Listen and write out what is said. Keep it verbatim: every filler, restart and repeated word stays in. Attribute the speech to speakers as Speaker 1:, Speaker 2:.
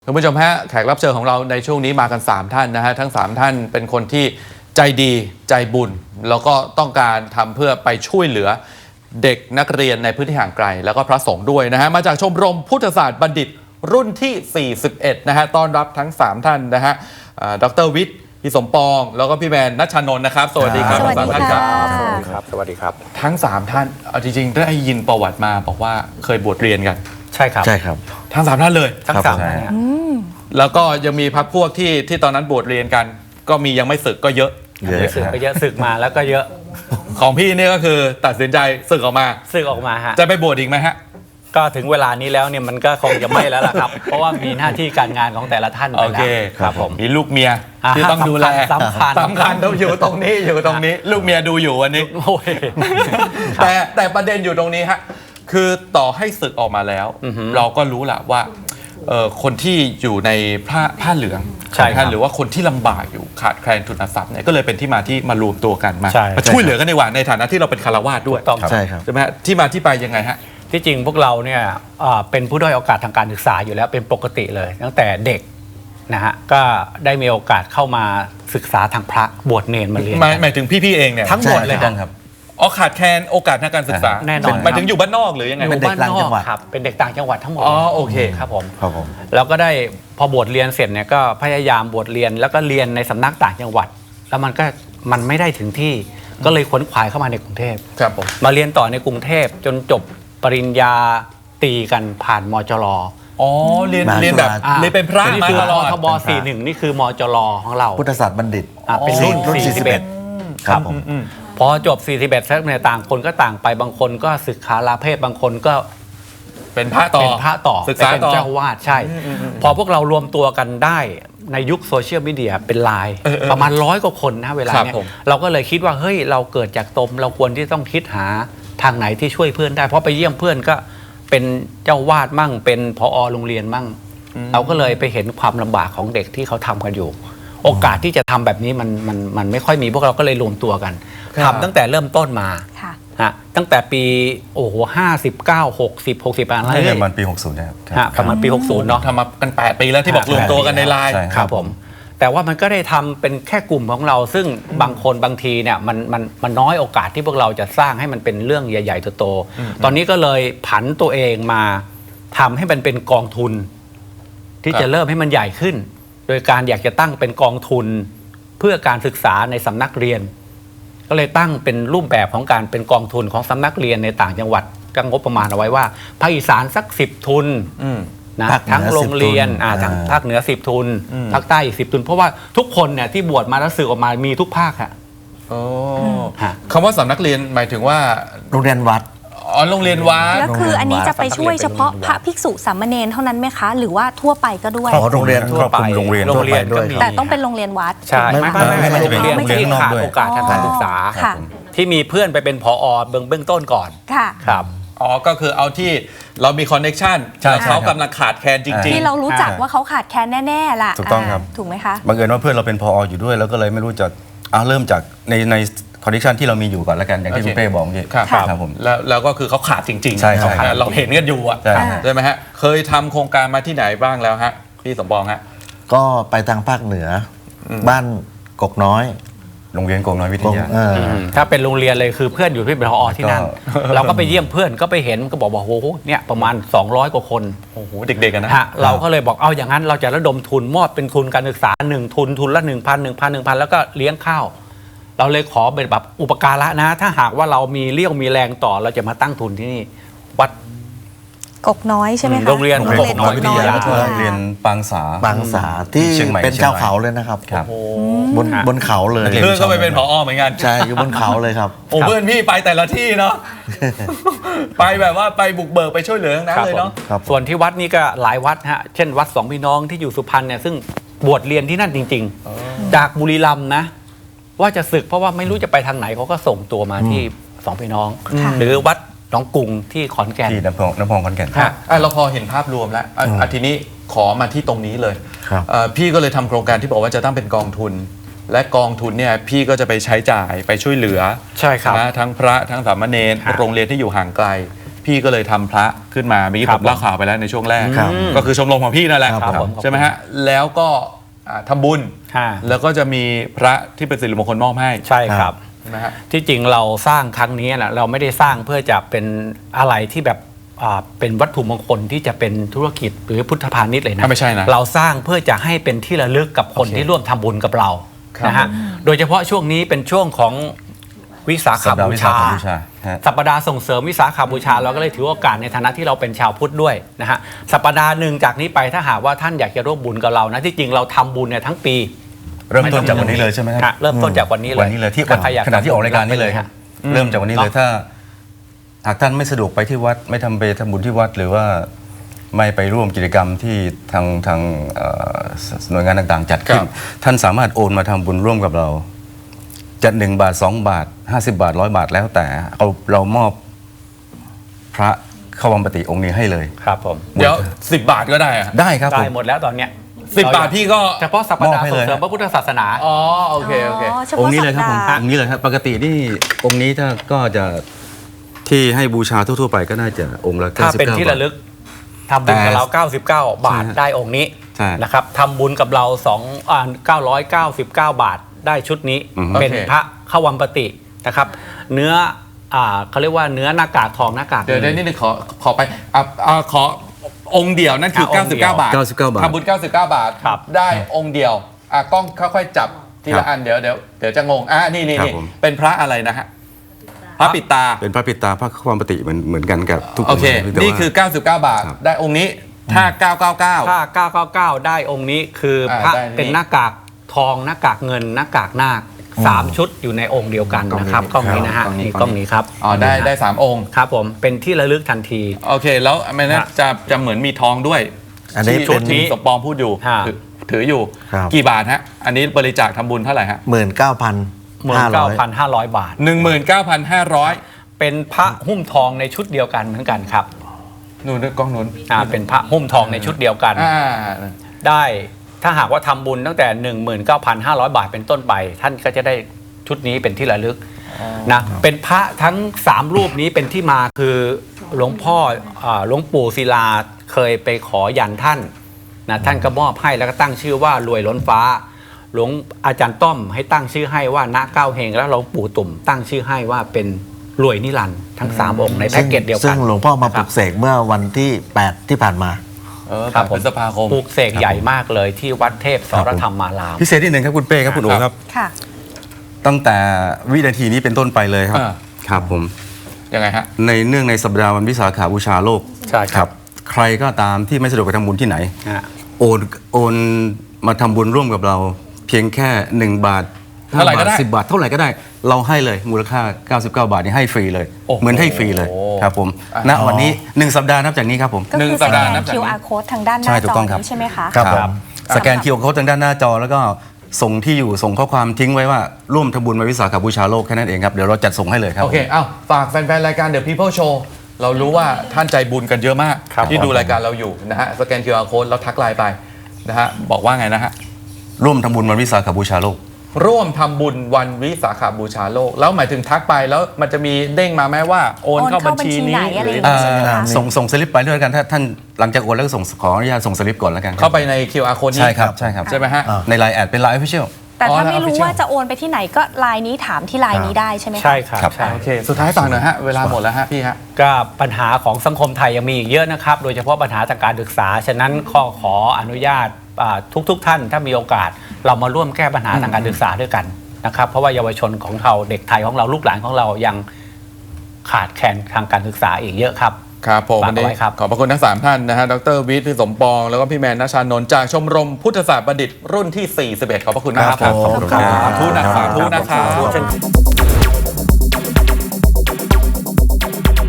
Speaker 1: คุณผู้ชมฮะแขกรับเชิญของเราในช่วงนี้มากันสามท่านนะฮะทั้งสามท่านเป็นคนที่ใจดีใจบุญแล้วก็ต้องการทำเพื่อไปช่วยเหลือเด็กนักเรียนในพื้นที่ห่างไกลแล้วก็พระสงฆ์ด้วยนะฮะมาจากชมรมพุทธศาสตร์บัณฑิตรุ่นที่สี่สิบเอ็ดนะฮะต้อนรับทั้งสามท่านนะฮะดร.วิทย์พี่สมปองแล้วก็พี่แมนณัชชานนท์นะครับสวัสดีครับทั้งสามท่านครับ
Speaker 2: สวัสดีครับสวัสดีครับ
Speaker 1: ทั้งสามท่านเอาจริงๆได้ยินประวัติมาบอกว่าเคยบวชเรียนกัน
Speaker 2: ใช่ครับ
Speaker 3: ใช่ครับ
Speaker 1: ทั้งสามท่านเลย
Speaker 2: ทั้งสามท่าน
Speaker 1: แล้วก็ยังมีพรรคพวกที่ที่ตอนนั้นบวชเรียนกันก็มียังไม่ศึกก็เยอะ
Speaker 2: เยอะศึกก็เยอะศึกมาแล้วก็เยอะ
Speaker 1: ของพี่นี่ก็คือตัดสินใจศึกออกมา
Speaker 2: ศึกออกมาฮะ
Speaker 1: จะไปบวชอีกไหมฮะ
Speaker 2: ก็ถึงเวลานี้แล้วเนี่ยมันก็คงจะไม่แล้วล่ะครับเพราะว่ามีหน้าที่การงานของแต่ละท่านไปแล้ว
Speaker 1: ครับผมมีลูกเมียที่ต้องดูแล
Speaker 2: สำคัญ
Speaker 1: สำคัญต้องอยู่ตรงนี้อยู่ตรงนี้ลูกเมียดูอยู่วันนี้แต่แต่ประเด็นอยู่ตรงนี้ฮะคือต่อให้ศึกออกมาแล้วเราก็รู้แหละว่าคนที่อยู่ในผ้าผ้าเหลือง
Speaker 2: ใช่ครับ
Speaker 1: หรือว่าคนที่ลำบากอยู่ขาดแคลนทุนทรัพย์เนี่ยก็เลยเป็นที่มาที่มารวมตัวกันมามาช่วยเหลือกันในวันในฐานะที่เราเป็นคารวาสด้วย
Speaker 3: ใช่ครับ
Speaker 1: ใช่ไหมฮะที่มาที่ไปยังไงฮะ
Speaker 2: ที่จริงพวกเราเนี่ยเป็นผู้ด้อยโอกาสทางการศึกษาอยู่แล้วเป็นปกติเลยตั้งแต่เด็กนะฮะก็ได้มีโอกาสเข้ามาศึกษาทางพระบวชเนรมาเรียน
Speaker 1: หมายถึงพี่ๆเองเนี่ย
Speaker 2: ทั้งหมดเลยครับ
Speaker 1: อ๋อขาดแคลนโอกาสทางการศึกษา
Speaker 2: แน่นอน
Speaker 1: หมายถึงอยู่บ้านนอกหรือยังไง
Speaker 2: เป็นเด็กต่างจังหวัดครับเป็นเด็กต่างจังหวัดทั้งหมด
Speaker 1: อ๋อโอเค
Speaker 2: ครับผม
Speaker 3: ครับผม
Speaker 2: แล้วก็ได้พอบวชเรียนเสร็จเนี่ยก็พยายามบวชเรียนแล้วก็เรียนในสำนักต่างจังหวัดแล้วมันก็มันไม่ได้ถึงที่ก็เลยขวนขวายเข้ามาในกรุงเทพ
Speaker 1: ครับผม
Speaker 2: มาเรียนต่อในกรุงเทพจนจบปริญญาตรีกันผ่านมจร
Speaker 1: อ๋อเรียนเรียนแบบเรียนเป็นพระ
Speaker 2: นี่คือมทบสี่สิบเอ็ดนี่คือมจรของเรา
Speaker 3: พุทธศาสตร์บัณฑิต
Speaker 2: เป็นรุ่นสี่สิบเอ็ด
Speaker 3: ครับผม
Speaker 2: พอจบสี่สิบเอ็ดแล้วเนี่ยต่างคนก็ต่างไปบางคนก็ศึกษาลาเพศบางคนก็
Speaker 1: เป็นพระต่อ
Speaker 2: เป็นพระต่อ
Speaker 1: ศึกษา
Speaker 2: เป็นเจ้าวาดใช่พอพวกเรารวมตัวกันได้ในยุคโซเชียลมีเดียเป็นไลน์ประมาณร้อยกว่าคนนะเวลาเนี้ยเราก็เลยคิดว่าเฮ้ยเราเกิดจากตมเราควรที่ต้องคิดหาทางไหนที่ช่วยเพื่อนได้เพราะไปเยี่ยมเพื่อนก็เป็นเจ้าวาดมั่งเป็นผอ.โรงเรียนมั่งเราก็เลยไปเห็นความลำบากของเด็กที่เขาทำกันอยู่โอกาสที่จะทำแบบนี้มันมันมันไม่ค่อยมีพวกเราก็เลยรวมตัวกันทำตั้งแต่เริ่มต้นมาฮะตั้งแต่ปีโอ้โหห้าสิบเก้าหกสิบหกสิบอะไร
Speaker 3: ประมาณปีหกสิบนะครับ
Speaker 2: ประมาณปีหกสิบเนาะ
Speaker 1: ทำมากันแปดปีแล้วที่บอกรวมตัวกันในไลน์
Speaker 2: ครับผมแต่ว่ามันก็ได้ทำเป็นแค่กลุ่มของเราซึ่งบางคนบางทีเนี่ยมันมันมันน้อยโอกาสที่พวกเราจะสร้างให้มันเป็นเรื่องใหญ่ๆโตๆตอนนี้ก็เลยผันตัวเองมาทำให้มันเป็นกองทุนที่จะเริ่มให้มันใหญ่ขึ้นโดยการอยากจะตั้งเป็นกองทุนเพื่อการศึกษาในสำนักเรียนก็เลยตั้งเป็นรูปแบบของการเป็นกองทุนของสำนักเรียนในต่างจังหวัดก็งบประมาณเอาไว้ว่าภาคอีสานสักสิบทุนนะทั้งโรงเรียนทางภาคเหนือสิบทุนภาคใต้อีกสิบทุนเพราะว่าทุกคนเนี่ยที่บวชมาแล้วสื่อออกมามีทุกภาคค่ะ
Speaker 1: คำว่าสำนักเรียนหมายถึงว่า
Speaker 3: โรงเรียนวัด
Speaker 1: อ๋อโรงเรียนวัด
Speaker 4: แล้วคืออันนี้จะไปช่วยเฉพาะพระภิกษุสามเณรเท่านั้นไหมคะหรือว่าทั่วไปก็ด้วย
Speaker 3: อ๋อโรงเรียนทั่วไปโรงเรียน
Speaker 2: โรงเรียนด้วย
Speaker 4: แต่ต้องเป็นโรงเรียนวัด
Speaker 2: ใช่ไม่ไม่ไม่โรงเรียนที่ขาดโอกาสทางการศึกษาที่มีเพื่อนไปเป็นผอ.เบื้องเบื้องต้นก่อน
Speaker 4: ค่ะ
Speaker 2: ครับ
Speaker 1: อ๋อก็คือเอาที่เรามีคอนเนคชั่นเขากำลังขาดแคลนจริงๆ
Speaker 4: ที่เรารู้จักว่าเขาขาดแคลนแน่ๆล่ะ
Speaker 3: ถูกต้องครับ
Speaker 4: ถูกไหมคะ
Speaker 3: บังเอิญว่าเพื่อนเราเป็นผอ.อยู่ด้วยแล้วก็เลยไม่รู้จะเอาเริ่มจากในในคอนดิชันที่เรามีอยู่ก่อนแล้วกันอย่างที่คุณเป้บอกนี่
Speaker 1: ครับผมแล้วแล้วก็คือเขาขาดจริงๆ
Speaker 3: ใช่ครับ
Speaker 1: เราเห็นกันอยู่อ่ะใช่ไหมฮะเคยทำโครงการมาที่ไหนบ้างแล้วฮะพี่สมปองฮะ
Speaker 3: ก็ไปทางภาคเหนือบ้านกกน้อยโรงเรียนกกน้อยวิทยา
Speaker 2: ถ้าเป็นโรงเรียนเลยคือเพื่อนอยู่ที่เป็นผอ.ที่นั่นเราก็ไปเยี่ยมเพื่อนก็ไปเห็นก็บอกว่าโอ้โหเนี่ยประมาณสองร้อยกว่าคน
Speaker 1: โอ้โหเด็กๆกันนะ
Speaker 2: เราก็เลยบอกเอาอย่างนั้นเราจะระดมทุนมอบเป็นทุนการศึกษาหนึ่งทุนทุนละหนึ่งพันหนึ่งพันหนึ่งพันแล้วก็เลี้ยงข้าวเราเลยขอเป็นแบบอุปการะนะถ้าหากว่าเรามีเรี่ยวมีแรงต่อเราจะมาตั้งทุนที่นี่วัด
Speaker 4: กกน้อยใช่ไหมคะ
Speaker 2: โรงเรียน
Speaker 3: กกน้อยวิทยาเรียนปางสาปางสาที่เป็นเจ้าเขาเลยนะครับบนบนเขาเลย
Speaker 1: เพื่อนก็ไปเป็นผอ.เหมือนกัน
Speaker 3: ใช่อยู่บนเขาเลยครับ
Speaker 1: โอ้เพื่อนพี่ไปแต่ละที่เนาะไปแบบว่าไปบุกเบิกไปช่วยเหลือทั้งนั้นเลยเนาะ
Speaker 2: ส่วนที่วัดนี่ก็หลายวัดฮะเช่นวัดสองพี่น้องที่อยู่สุพรรณเนี่ยซึ่งบวชเรียนที่นั่นจริงๆจากบุรีรัมย์นะว่าจะศึกเพราะว่าไม่รู้จะไปทางไหนเขาก็ส่งตัวมาที่สองพี่น้องหรือวัดหนองกุงที่ขอนแก่น
Speaker 3: ที่น้ำพองน้ำพองขอนแก่น
Speaker 1: เราพอเห็นภาพรวมแล้วอาทีนี้ขอมาที่ตรงนี้เลยพี่ก็เลยทำโครงการที่บอกว่าจะตั้งเป็นกองทุนและกองทุนเนี่ยพี่ก็จะไปใช้จ่ายไปช่วยเหลือ
Speaker 2: ใช่ครับ
Speaker 1: ทั้งพระทั้งสามเณรโรงเรียนที่อยู่ห่างไกลพี่ก็เลยทำพระขึ้นมาเมื่อกี้
Speaker 2: ครั
Speaker 1: ผ
Speaker 2: บ
Speaker 1: มเล่าข่าวไปแล้วในช่วงแรก
Speaker 3: ครับ
Speaker 1: ก็คือชมรมของพี่นั่นแหละ
Speaker 2: ครับผม
Speaker 1: ใช่ไหมฮะแล้วก็อ่าทำบุญ
Speaker 2: ค่ะ
Speaker 1: แล้วก็จะมีพระที่เป็นสิริมงคลมอบให้
Speaker 2: ใช่ครับ
Speaker 1: ใช่ไหมฮะ
Speaker 2: ที่จริงเราสร้างครั้งนี้นะเราไม่ได้สร้างเพื่อจะเป็นอะไรที่แบบอ่าเป็นวัตถุมงคลที่จะเป็นธุรกิจหรือพุทธพาณิชย์เลยนะ
Speaker 1: อ่ะไม่ใช่นะ
Speaker 2: เราสร้างเพื่อจะให้เป็นที่ระลึกกับคน
Speaker 1: โอเค
Speaker 2: ที่ร่วมทำบุญกับเรา
Speaker 1: ครับ
Speaker 2: นะฮะโดยเฉพาะช่วงนี้เป็นช่วงของวิสาข
Speaker 3: สัปดาห์
Speaker 2: บู
Speaker 3: วิสา
Speaker 2: ชา
Speaker 3: ขบูชาฮะ
Speaker 2: สัปดาห์ส่งเสริมวิสาขบูชาเราก็เลยถือโอกาสในฐานะที่เราเป็นชาวพุทธด้วยนะฮะสัปดาห์หนึ่งจากนี้ไปถ้าหากว่าท่านอยากจะร่วมบุญกับเรานะที่จริงเราทำบุญเนี่ยทั้งปี
Speaker 3: เริ่มต้นจากวันนี้เลยใช่ไหมค
Speaker 2: ฮะ
Speaker 3: รับ
Speaker 2: เริ่มต้นจากวันนี้เลย
Speaker 3: วันนี้เลยที่
Speaker 2: ถ้าใครอยาก
Speaker 3: ขณะที่ออกรายการนี้เลย
Speaker 2: ฮะ
Speaker 3: เริ่มจากวันนี้เลยถ้า หากท่านไม่สะดวกไปที่วัดไม่ทำไปทำบุญที่วัด หรือว่าไม่ไปร่วมกิจกรรมที่ทางทางเอ่อหน่วยงานต่างๆ จัดขึ้
Speaker 1: คน รับ
Speaker 3: ท่านสามารถโอนมาทำบุญร่วมกับเราจะหนึ่งบาทสองบาทห้าสิบบาทร้อยบาทแล้วแต่เอาเรามอบพระเข้าวัมปติองค์นี้ให้เลย
Speaker 2: ครับผม
Speaker 1: เดี๋ยวสิบบาทก็ได้อะ
Speaker 3: ได้ครับผ
Speaker 2: ได้
Speaker 3: ม
Speaker 2: หมดแล้วตอนเนี้ย
Speaker 1: สิบบาทพี่ก็
Speaker 2: เฉพาะสัปดาห์
Speaker 3: มอบให้
Speaker 2: ส่
Speaker 3: เล
Speaker 2: ง
Speaker 3: ย
Speaker 2: เสริมพระพุทธศาสนา
Speaker 1: อ๋อโอเคโอเค
Speaker 4: เฉพาะ
Speaker 3: องค์นี้เลยครับผม
Speaker 4: สัปดาห์
Speaker 3: องค์นี้เลยครับปกตินี่องค์นี้ถ้าก็จะที่ให้บูชาทั่วๆไปก็น่าจะองค์ละ
Speaker 2: ถ้าเป็น
Speaker 3: เก้าสิบเก้า
Speaker 2: ที่ระลึกทำบุญกับเรา เก้าสิบเก้า บาท
Speaker 3: ใช่ฮะ
Speaker 2: ได้องค์นี้
Speaker 3: ใช่
Speaker 2: นะครับทำบุญกับเรา2อ่าเก้าร้อยเก้าสิบเก้า บาทได้ชุดนี้
Speaker 3: อือฮึ
Speaker 2: เป็น
Speaker 1: โอเค
Speaker 2: พระเข้าวัมปตินะครับ เนื้ออ่าเขาเรียกว่าเนื้อหน้ากากทองหน้ากาก
Speaker 1: เดี๋ยว
Speaker 2: งิ
Speaker 1: เดี๋ยวนิดนึงขอขอไปอ่ะอ่ะขอองค์เดียวนั่นคือ
Speaker 2: อ่ะองค์เดียว
Speaker 1: เก้าสิบเก้า บาท
Speaker 3: เก้าสิบเก้าบาท
Speaker 1: ทำบุญเก้าสิบเก้า บาท
Speaker 2: ครับ
Speaker 1: ได้องค์เดียวอ่ะกล้องค่อยๆจับที
Speaker 3: ครั
Speaker 1: ละ
Speaker 3: บ
Speaker 1: อันเดี๋ยวเดี๋ยวเดี๋ยวจะงงอ่ะนี่นี่
Speaker 3: ครับ
Speaker 1: นี่
Speaker 3: ผม
Speaker 1: เป็นพระอะไรนะฮะพระปิดตา
Speaker 3: เป็นพระปิดตาพระความปฏิเหมือนเหมือนกันกับทุก
Speaker 1: โอเค
Speaker 3: งค์แต่ว่า
Speaker 1: นี่คือ เก้าสิบเก้า บาท
Speaker 3: ครับ
Speaker 1: ได้องค์นี้ถ้า เก้าเก้าเก้า
Speaker 2: ถ้าเก้าเก้าเก้า ได้องค์นี้คืออา พระ
Speaker 1: ได้นี่
Speaker 2: เป็นหน้ากากทองหน้ากากเงินหน้ากากนาคสามชุดอยู่ในองค์เดียวกันนะครับกล้องนี้นะฮะ
Speaker 1: กล้องนี้
Speaker 2: นี่กล้องนี้ครับ
Speaker 1: อ๋อได้ได้สามองค์
Speaker 2: ครับผมเป็นที่ระลึกทันที
Speaker 1: โอเค แล้วมันน่า
Speaker 2: ฮะ
Speaker 1: จะจะเหมือนมีทองด้วย
Speaker 3: อันนี้
Speaker 1: ที่
Speaker 3: เป็น
Speaker 1: ที่สมปองพูดอยู่
Speaker 2: ฮะ
Speaker 1: ถือถืออยู่
Speaker 3: ครับ
Speaker 1: กี่บาทฮะอันนี้บริจาคทำบุญเท่าไหร่ฮะ
Speaker 3: หมื่นเก้าพัน
Speaker 2: หมื่น
Speaker 3: ห้าร้
Speaker 2: เก้า
Speaker 3: อย
Speaker 2: พันห้าร้อยบาท
Speaker 1: หนึ่งหมื่นเก้าพันห้าร้อย
Speaker 2: เป็นพระหุ้มทองในชุดเดียวกันเหมือนกันครับ
Speaker 1: นู่นด้วยกล้องนู้น
Speaker 2: อ่าเป็นพระหุ้มทองในชุดเดียวกัน
Speaker 1: อ่า
Speaker 2: ได้ถ้าหากว่าทำบุญตั้งแต่ หนึ่งหมื่นเก้าพันห้าร้อย บาทเป็นต้นไป ท่านก็จะได้ชุดนี้เป็นที่ระลึกนะเป็นพระทั้งสามรูปนี้เป็นที่มาคือหลวงพ่ออ่าหลวงปู่ศิลาเคยไปขอยันท่านนะท่านก็มอบให้แล้วก็ตั้งชื่อว่ารวยล้นฟ้า หลวงอาจารย์ต้อมให้ตั้งชื่อให้ว่าณเก้าเฮงแล้วหลวงปู่ตุ่มตั้งชื่อให้ว่าเป็นรวยนิรันดร์ทั้งสามองค์ในแพ็กเกจเดียวกัน
Speaker 5: ซึ่งหลวงพ่อมาปลุกเสกเมื่อวันที่ แปด ที่ผ่านมา
Speaker 1: เออ
Speaker 2: ครับ
Speaker 1: พฤษภาคม
Speaker 2: ปลูกเสกใหญ่มากเลยที่วัดเทพสรธรรมาราม
Speaker 3: พิเศษที่หนึ่งครับคุณเป้ครับคุณโอ๋ครับ
Speaker 4: ค่ะ
Speaker 3: ตั้งแต่วินาทีนี้เป็นต้นไปเลยครับ
Speaker 1: อ่า
Speaker 3: ครับผม
Speaker 1: ยังไงฮะ
Speaker 3: ในเนื่องในสัปดาห์วันวิสาขบูชาโลก
Speaker 2: ใช่ครับ
Speaker 3: ใครก็ตามที่ไม่สะดวกไปทำบุญที่ไหน
Speaker 2: นะฮะ
Speaker 3: โอนโอนมาทำบุญร่วมกับเรา เพียงแค่หนึ่งบาท
Speaker 1: เท่าไหร่ก็ได้
Speaker 3: บทสิบบาทเท่าไหร่ก็ได้ เราให้เลยมูลค่าเก้าสิบเก้า บาทนี่ให้ฟรีเลย
Speaker 1: โอ้โห
Speaker 3: เหมือนให้ฟรีเลยครับผมณวันนี้หนึ่งสัปดาห์นับจากนี้ครับผม
Speaker 4: ก็
Speaker 1: หนึ่
Speaker 4: คื
Speaker 1: ง
Speaker 4: อ
Speaker 1: สั
Speaker 4: ส
Speaker 1: ป
Speaker 4: แก
Speaker 1: ดาห์
Speaker 4: น
Speaker 1: นับจากนี้
Speaker 4: คิว อาร์ code ทางด้านห
Speaker 3: ใช่
Speaker 4: น้า
Speaker 3: ถู
Speaker 4: จ
Speaker 3: ก
Speaker 4: อ
Speaker 3: ต้องครับ
Speaker 4: นี้ใช่ไหมคะ
Speaker 3: ครับผม
Speaker 2: ครับ
Speaker 3: สแกนคิวโค้ดทางด้านหน้าจอแล้วก็ส่งที่อยู่ส่งข้อความทิ้งไว้ว่าร่วมทำบุญมาวิสาขบูชาโลกแค่นั้นเองครับเดี๋ยวเราจัดส่งให้เลยครับ
Speaker 1: โอเค เอ้า ฝากแฟนๆ รายการ The People Show เรารู้ว่าท่านใจบุญกันเยอะมาก
Speaker 2: ครับ
Speaker 1: ที่ดูรายการเราอยู่นะฮะ สแกน คิว อาร์ Code แล้วทักไลน์ไปนะฮะ บอกว่าไงนะฮะ
Speaker 3: ร่วมทำบุญวันวิสาขบูชาโลก
Speaker 1: ร่วมทำบุญวันวิสาขบูชาโลก แล้วหมายถึงทักไปแล้วมันจะมีเด้งมาไหมว่าโอนเข้าบัญชีนี้
Speaker 4: โอนเข้าบัญชีไหนอะไร
Speaker 1: หรือ
Speaker 4: อย่างเงี้ย ใช่ไหมคะ
Speaker 3: ส่งส่งสลิปไปด้วยกันถ้าท่านหลังจากโอนแล้วก็ส่งขออนุญาตส่งสลิปก่อนแล้วกันครับ
Speaker 1: เข้าไปใน คิว อาร์ Code นี้
Speaker 3: ใช่ครับใช่ครับ
Speaker 1: ใช่ไหมฮะ
Speaker 5: อ่า
Speaker 3: ในไลน์แอดเป็นไลน์ออฟฟิเชียล
Speaker 4: แต่ถ้า
Speaker 1: อ๋อ
Speaker 4: ไม่รู้
Speaker 1: official
Speaker 4: ว่าจะโอนไปที่ไหนก็ไลน์นี้ถามที่ไลน์นี้ได้ใช่ไหมคะ
Speaker 2: ใช่ครับ
Speaker 3: ครับ
Speaker 2: ใช่
Speaker 1: โอเค สุดท้ายฝากหน่อยฮะ เวลาหมดแล้วฮะพี่ฮะ
Speaker 2: ก็ปัญหาของสังคมไทยยังมีอีกเยอะนะครับ โดยเฉพาะปัญหาทางการศึกษา ฉะนั้นข้อขออนุญาตทุกๆทท่านถ้ามีโอกาสเรามาร่วมแก้ปัญหาทางการศึกษาด้วยกันนะครับ เพราะว่าเยาวชนของเราเด็กไทยของเราลูกหลานของเรายังขาดแคลนทางการศึกษาอีกเยอะครับ
Speaker 1: ครับผม
Speaker 2: ฝาก
Speaker 1: วันนี้
Speaker 2: เอาไว้ครับ
Speaker 1: ขอบพระคุณทั้งสามท่านนะฮะ ดรวิทย์พี่สมปอง แล้วก็พี่แมนณชานนท์จากชมรมพุทธศาสตร์บัณฑิตรุ่นที่ สี่สิบเอ็ด ขอบพระคุณมากครับ
Speaker 3: ครับผม
Speaker 1: สาธุนะสาธุนะครับ